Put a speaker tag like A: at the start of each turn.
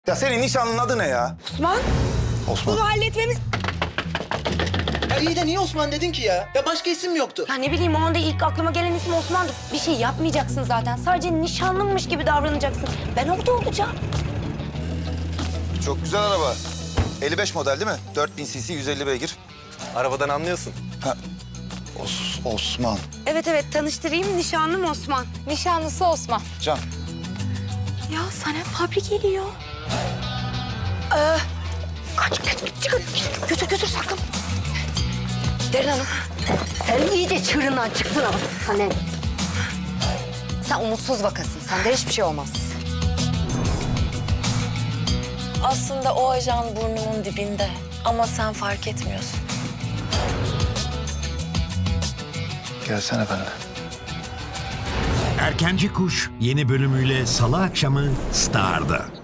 A: Ya senin nişanlının adı ne ya?
B: Osman,
A: Osman.
B: bunu halletmemiz...
C: Ya iyi de niye Osman dedin ki ya? Ya başka isim yoktu.
B: Ya ne bileyim, o anda ilk aklıma gelen isim Osman'dı. Bir şey yapmayacaksın zaten. Sadece nişanlınmış gibi davranacaksın. Ben orada olacağım.
A: Çok güzel araba. 55 model değil mi? 4000 cc 150 beygir.
D: Arabadan anlıyorsun.
A: Ha. Osman.
B: Evet, tanıştırayım. Nişanlım Osman.
E: Nişanlısı Osman.
A: Can.
B: Ya Sanem Fabri geliyor. Kaç, çıkın. Götür sakın. Derin Hanım, sen iyice çığırından çıktın ama Sanem. Sen umutsuz vakasın. Sende hiçbir şey olmaz.
E: Aslında o ajan burnumun dibinde ama sen fark etmiyorsun.
A: Gelsene benimle.
F: Erkenci Kuş yeni bölümüyle Salı akşamı Star'da.